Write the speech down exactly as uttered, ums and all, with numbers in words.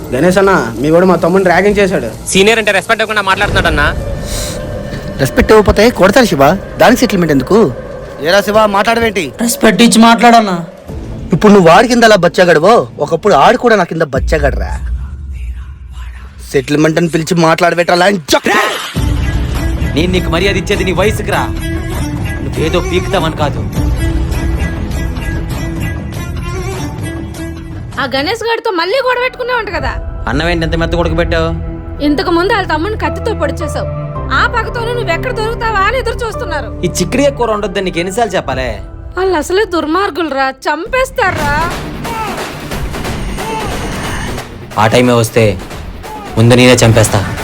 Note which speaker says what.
Speaker 1: గణేష్ అన్న మీ కూడా మా తమ్ముడిని ర్యాగింగ్ చేశాడు.
Speaker 2: సీనియర్ అంటే రెస్పెక్ట్ ఇవ్వకుండా మాట్లాడుతున్నాడు అన్న.
Speaker 3: రెస్పెక్ట్ ఇవ్వకపోతే కొడతారు శివ, దానికి సెటిల్మెంట్ ఎందుకు? ఏరా శివ మాట్లాడవేంటి?
Speaker 4: రెస్పెక్ట్ ఇచ్చి మాట్లాడన్నా.
Speaker 3: ఇప్పుడు నువ్వు వాడి కింద అలా బచ్చగాడవో, ఒకప్పుడు ఆడు కూడా నా కింద బచ్చగాడరా. సెటిల్మెంట్ అని పిలిచి మాట్లాడబెట్టాలా?
Speaker 5: నేను నీకు మర్యాద ఇచ్చేది నీ వయసుకు రా, నువ్వేదో పీకుతావని కాదు.
Speaker 6: ఆ గణేష్ గారితో మళ్ళీ గొడవ పెట్టుకున్నావు కదా.
Speaker 5: అన్నం ఏంటి ఎంత మెత్త కొడుకుపెట్టావు?
Speaker 6: ఇంతకు ముందు వాళ్ళ తమ్ముని కత్తితో పొడిచేసావు. ఆ పక్కతోనే నువ్వు ఎక్కడ దొరుకుతావా అని ఎదురు చూస్తున్నారు.
Speaker 5: ఈ చిక్కడి కూర ఉండొద్దని నీకు ఎన్నిసార్లు చెప్పాలే?
Speaker 6: వాళ్ళు అసలే దుర్మార్గులరా, చంపేస్తారా.
Speaker 5: ఆ టైమే వస్తే ముందు నేనే చంపేస్తా.